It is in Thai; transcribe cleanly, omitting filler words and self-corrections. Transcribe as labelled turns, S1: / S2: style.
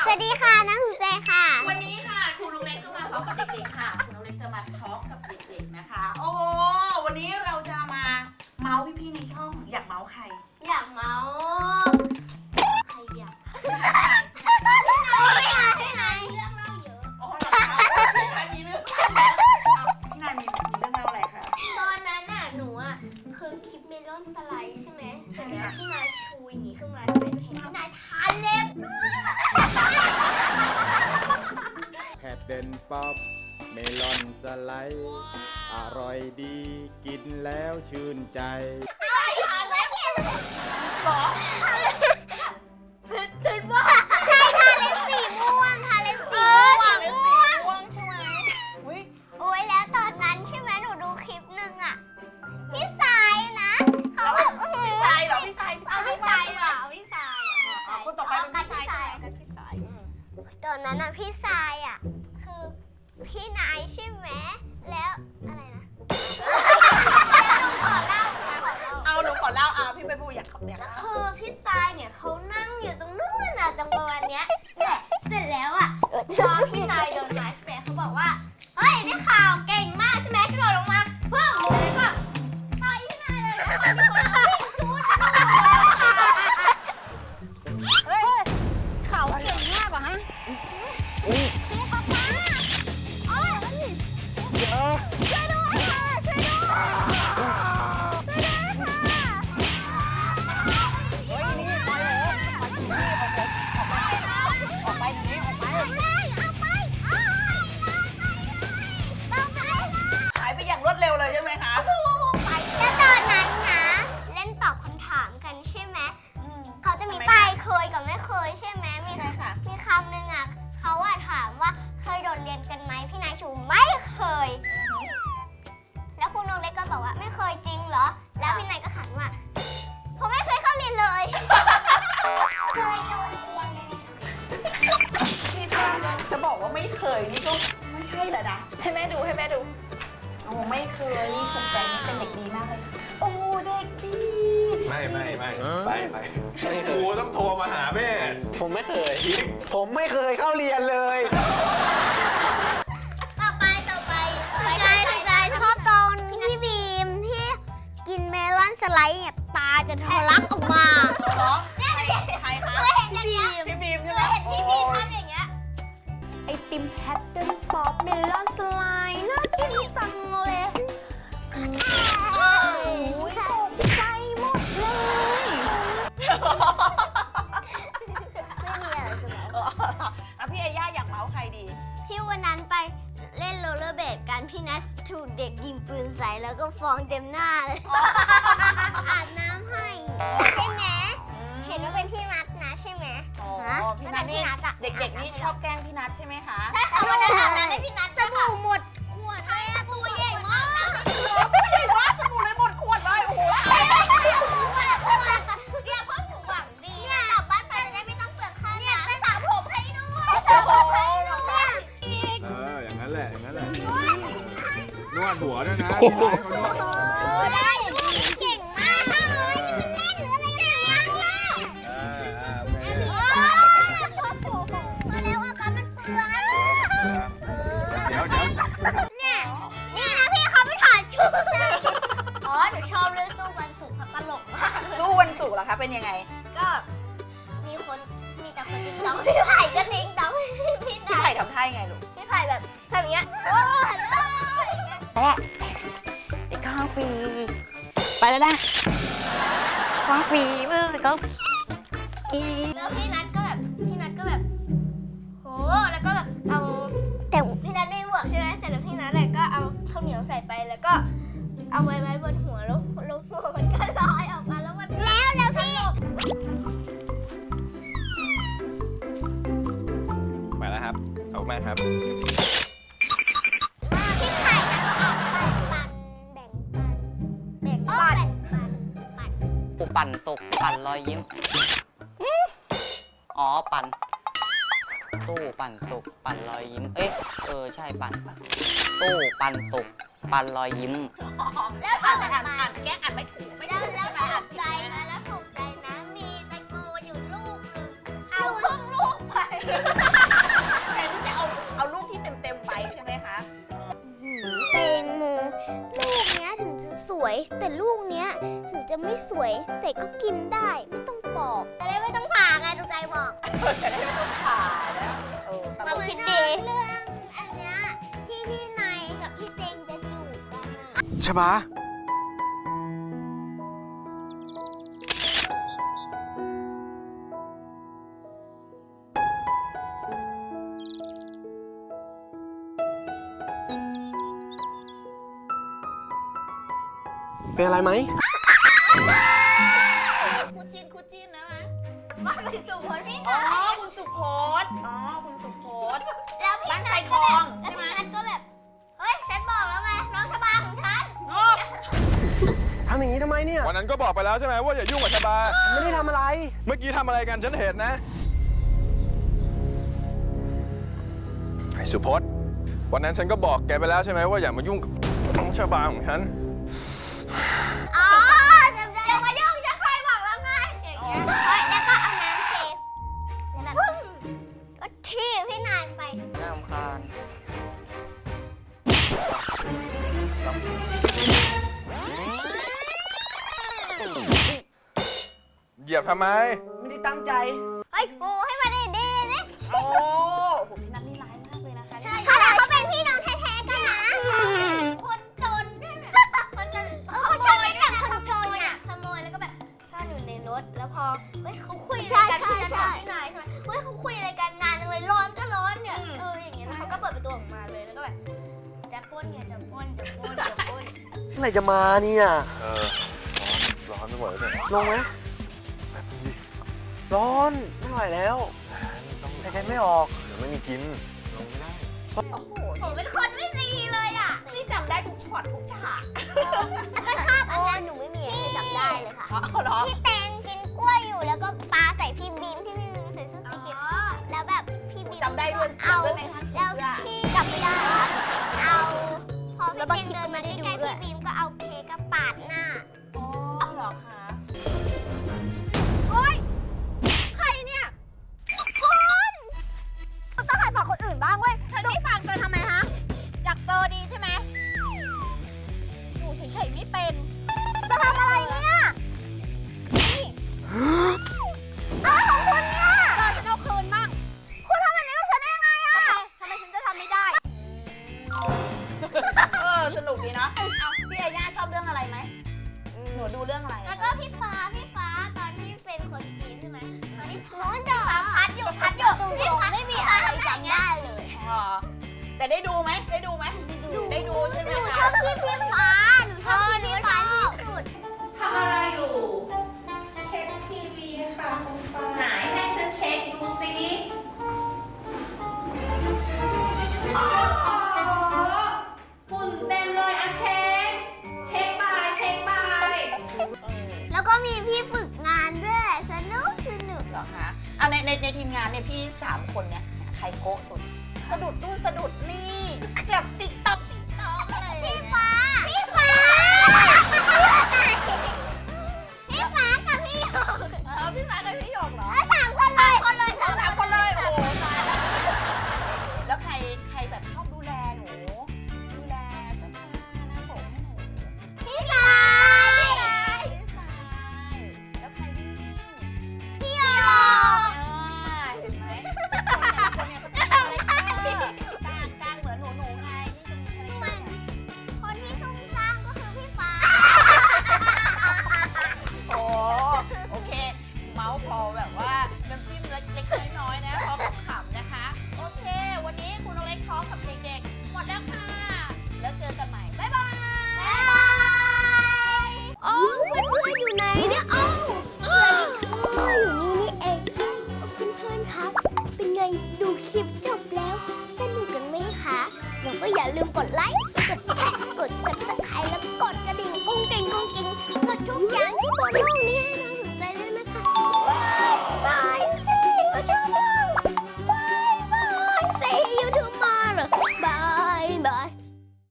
S1: วัสดีค่ะน้ำถูกใจค่ะ
S2: วันนี้ค่ะครูน้องเล็กก็มาพร้อมกับเด็กๆค่ะครูน้องเล็กจะมาทอล์กกับเด็กๆนะคะโอ้โหวันนี้เราจะมาเมาส์พี่ๆในช่องอยากเมาส์ใคร
S1: อยากเมาใครอยากพี่นายเรื่องเล่าเยอะ
S2: อ๋อเหรอคะพี่นายมีเรื่องพี่นายมีเรื่องเล่าอะไรคะ
S1: ตอนนั้นน่ะหนูอ่ะคือคลิปเมลอนสไลด์ใช่ไหมใช่ค่ะพี่นายชูอย่างนี้ขึ้นมาใช่ไหมเห็นพี่นายทาเล็บ
S3: แพดเดินป๊อปเมลอนสไลด์อร่อยดีกินแล้วชื่นใจ
S2: หรอ
S1: คิดว่าใช่ทาเล็บสีม่วงทาเล็บสีม่วง
S2: ใช่ไหมอุ้ย
S1: โอ้ยแล้วตอนนั้นใช่ไหมหนูดูคลิปหนึ่งอ่ะพี่สายนะเขาแบบ
S2: พี่สายเหรอพี่สาย
S1: เอาพี่สายเหรอพี่สาย
S2: คนต่อไปเป็นพี่สายใช่ไหม
S1: พี่สายตอนนั้นอ่ะพี่สายอ่ะคือพี่นายใช่ไหมแล้วอะไรนะ
S2: เอาหนูขอเล่าพี่ใบบูอยากขับเนี่ย
S1: คือพี่สายเนี่ยเขานั่งอยู่ตรงนู้นน่ะตรงประมาณเนี้ยแหละเสร็จแล้วอ่ะพอพี่นายเดินมาใช่ไหมเขาบอกว่าเฮ้ยได้ข่าวเก่งมากใช่ไหมกระโดดลงมาเพิ่มเลยก็ต่อยพี่นายเลยแล้วคนวิ่งจู๊ด
S4: เฮ้ยเขาเก่งมากกว่าฮะ
S1: ช่วยด้วยค่ะช่วยด้วย
S2: เฮ้ยนี่ไปเลยออกไปนี้ออกไปหายไปอย่างรวดเร็วเลยใช่ไหมคะ
S1: แล้วตอนนั้นนะเล่นตอบคำถามกันใช่ไหมเขาจะมีป้ายเคยกับไม่เคยใช่ไหมมีคำหนึ่งอ่ะเขาอะถามว่าเคยโดดเรียนกันไหมพี่นายชูไม่เคยแล้วคุณนงเล็กก็บอกว่าไม่เคยจริงเหรอแล้วพี่นายก็ขันว่าผมไม่เคยเข้าเรียนเลยเคยโดนเรียน
S2: จะบอกว่าไม่เคยนี่ก็ไม่ใช่แหละนะ
S4: ให้แม่ดู
S2: โอ้ไม่เคยภูมิใจนี่เป็นเด็กดีมากเลยโอ้เด็กดี
S5: ไม่ไปครูต้องโทรมาหาแม่ผมไม่เคยเข้าเรียนเลย
S1: ต่อไปถูกใจชอบตอนพี่บีมที่กินเมลอนสไลด์เนี่ยตาจะทะลักออกมา
S2: เหรอใครคะพี่บีมใช่ไหม
S1: พี่บีมทำอย่างเงี้ย
S4: ไอติมแพทเทิร์นป๊อปเมลอนสไลด์น่ากินจังเลยตกใจหมดเลย
S1: ไม่มีอะไรจะบอก
S2: พี่เอย่าอยากเมาส์ใครดี
S1: ที่วันนั้นไปเล่นโรลเลอร์เบดกันพี่นัทถูกเด็กยิงปืนใส่แล้วก็ฟองเต็มหน้าเลยอาบน้ำให้ใช่ไหมเห็นว่าเป็นพี่นัทนะใช่ไหม
S2: พี่นัทนี่เด็กๆนี่ชอบแกล้งพี่นัทใช่ไหมคะ
S1: ใช่ค่ะวันนั้นอาบน้ำให้พี่นัทสบู่หมดขวดเลยตัวใหญ่มาก
S2: ตัวใหญ่มากสบู่เลยหมดขวดเลยโอ้โห
S1: เนี่ยพ่อหนูหวังดีเนี่ยกลับบ้านไปจะได้ไม่ต้องเปลืองค่าเนี่ยจะสระผมให้ด้วยสระผมให้ด้วย
S3: อย่างนั้นแหละนวดหัวด้วยนะ
S1: ได้เก่งมากเลยเล่นหรืออะไรเก่งมากเลยมาแล้วอาการมันเปลือง
S3: เดี๋ยว
S1: เนี่ยนี่นะพี่เขาไปถอดชุดอ๋อหนูชอบเรื่องตู้วันศุกร์ตลกมาก
S2: ตู้วันศุกร์เหรอคะเป็นยังไง
S1: ก็มีแต่คนติ๊งต้องพี่ไผ่ก็ติ๊งต้อง
S2: พี่ไผ่ทำท่ายังไงลูก
S1: พี่ไผ่แบบทำอย่างเงี้ย
S2: ไอ้ข้าวฟรีไปแล้วนะข้าวฟรีมือก็
S1: แล้วพี่นัทก็แบบโหแล้วก็แบบเอาแต่พี่นัทไม่บวกใช่ไหมเสร็จแล้วพี่นัทเลยก็เอาข้าวเหนียวใส่ไปแล้วก็เอาไว้บนหัวแล้วหัวมันก็ลอยออกมาแล้วมันแล้วพี่
S5: ไปแล้วครับเอาแม่ครับ
S1: พี่ไข่ก็ออกแบ่งปัน
S6: ปูปั่นตกปั่นรอยยิ้มอ๋อปั่นตู้ปั่นตกปั่นรอยยิ้มใช่ปั่นตู้ปั่นตกปั่นรอยยิ้ม
S1: แล้วอ่านแก้อ่านไม่ถูกไม่ได้แล้วถูกใจนะมีแตงโมอยู่ลูกนึงเอาครึ่งลูกไปแต่ลูกเนี้ยถึงจะไม่สวยแต่ก็กินได้ไม่ต้องปอกจะได้ไม่ต้องผ่าไงถูกใจบอก
S2: จะได้ไม่ต้องผ่านะตล
S1: เรา
S2: ก
S1: คิดดีเรื่องอันเนี้ยที่พี่นายกับพี่เต็งจะจูบกันอะ
S5: ชบา เป็นอะไรไหม
S2: คู่จิ้นนะมะ
S1: มาเป็นสูตรพี่
S2: อ๋
S1: นาย
S2: อคุณสุพจน์คุณสุพจน์
S1: แล้วพี่
S2: บ้าน
S1: นาย
S2: ไซทองใช่ไหม
S1: แล้วพี่นัทก็แบบเฮ้ยฉันบอกแล้วไงน้องชบาของฉัน
S2: โอ้
S5: ทำอย่างนี้ทำไมเนี่ย
S3: วันนั้นก็บอกไปแล้วใช่ไหมว่าอย่ายุ่งกับชบา
S5: ไม่ได้ทำอะไร
S3: เมื่อกี้ทำอะไรกันฉันเห็นนะ ไอ้สุพจน์วันนั้นฉันก็บอกแกไปแล้วใช่ไหมว่าอย่ามายุ่งกับน้องชบาของฉัน
S1: อ๋อจำได้อย่ามายุ่งฉันเคยบอกแล้วไงอย่างเงี้ยเฮ้ยแล้วก็เอาน้ำเทแล้วแบบก็ทีบพี่นายไป
S6: น่ารำคาญ
S3: เหยียบทำไม
S2: ไม่ได้ตั้งใจ
S1: เฮ้ยปูให้มาดีดีๆนะ
S2: โอ้โหพี่นัทนี่ร้ายมากเลยนะคะเนี่ย
S1: ขนาดเขาเป็นพี่น้องแท้ๆกันนะคนจนด้วยนะคนจนเขาชอบเป็นแบบคนจนอ่ะขโมยแล้วก็แบบซ่อนอยู่ในรถแล้วพอเฮ้ยเขาคุยอะไรกันพี่นัทกับพี่นายใช่ไหมเฮ้ยเขาคุยอะไรกันนานจังเลยร้อนก็ร้อนเนี่ยอย่างเงี้ยแล้วเขาก็เปิดประตูออกมาเลยแล้วก็แบบจะปล้นไงจะปล้นจะปล้นจะปล้น
S5: เมื่อไหร่จะมาเนี่ย
S3: ร้อนไม่ไหวเลย
S5: ลงไหมร้อนไม่ไหวแล้วหายใจไม่ออก
S3: เดี๋ยวไม่มีกิน ลงไม่ได้
S2: โอ้โห
S1: ผมเป็นคนไม่ดีเลยอ่ะ
S2: นี่จำได้ทุกช็อตทุกฉาก
S1: แล้วก็ชอบอันนั้นหนูไม่มีให้จำได้เลยค่ะ
S2: อ๋อเหรอ
S1: พี่แตงกินกล้วยอยู่แล้วก็ปาใส่พี่บีมที่พี่บีมใส่เสื้อสีเขียวแล้วแบบพี่บีม
S2: จำได้ด้วย
S1: เอา
S2: จำได้ไหมคะเสื้
S1: แล้ว
S2: อ
S1: พี่จำไม่ได้เอาพอพี่แตงเดินมาใกล้ๆพี่บีมก็เอาเค้กปาดหน้า
S2: อ๋อเหรอคะ
S4: โอ๊ย ใครเนี่ยคุณต้องหัดฟังคนอื่นบ้างเว้ยฉันไม่ฟังเธอทำไมฮะ อยากเจอดีใช่ไหมอยู่เฉยๆไม่เป็น จะทำอะไรเนี่ย นี่อะไรของคุณเนี่ยฉันเอาคืนมั่งคุณทำแบบนี้กับฉันได้ยังไงอะทำไมฉันจะทำไม่ได้
S2: สนุกดีเนาะเอาพี่อาย่าชอบเรื่องอะไรไหมหนูดูเรื่องอะไร
S1: แล้วก็พี่ฟ้าตอนที่เป็นคนจีนใช่ไหมตอนที่โน้นจะพัดอยู่ตรงๆไม่มีอะไรจำได้เลย
S2: อ๋อแต่ได้ดูไหมได้ดูไหมได้ดูใช่ไหม
S1: หนู
S2: คะ
S1: ชอบพี่ฟ้าหนูชอบพี่ฟ้าที่สุด
S7: ทำอะไรอยู่ เช็คทีวีค่ะคุณฟ้าไหนให้ฉันเช็คดูสิอ๋อฝุ่นเต็มเลยอะเค้กเช็คไป
S1: แล้วก็มีพี่ฝึกงานด้วยสนุก
S2: เหรอคะเอาในทีมงานเนี่ยพี่3คนเนี่ยใครโก๊ะสุดสะดุดนู่นสะดุดนี่แบบติ๊กต๊อกอะไรอย่าง
S1: พี่
S2: เงี้ย
S1: ฟ้าพี่ฟ้ากับพี่หยก
S2: พี่ฟ้ากับพี่หยกเหรอ
S1: สามคนเลย
S2: สามคนเลยโอ้โหตายแล้วแล้วใครแบบชอบดูแลหนูดูแลเสื้อผ้าหน้าผมให้หนู
S1: พี่สาย
S2: พี่สายแล้วใครวิ่ง
S1: พี่หยก
S2: เห็นไหมคนเนี่ยเขาจะทำอะไรการเหมือนหนูไงนี่จะมีอะไรเนี่ย
S1: คนที่ซุ่มซ่ามก็คือพี่ฟ้า
S2: โอเค เมาส์พอแบบว่าน้ำจิ้มเล็กๆน้อยๆนะพอขำๆนะคะ โอเค วันนี้คุณน้องเล็กท้องกับเด็กๆหมดแล้วค่ะ แล้วเจอกันใหม่ บ๊ายบาย
S1: บ๊ายบายโอ้เพื่อนๆอยู่ไหนเนี่ยเอ้าอยู่นี่นี่เองเพื่อนๆครับ เป็นไงดูคลิปจบแล้ว สนุกกันไหมคะแล้วก็อย่าลืมกดไลค์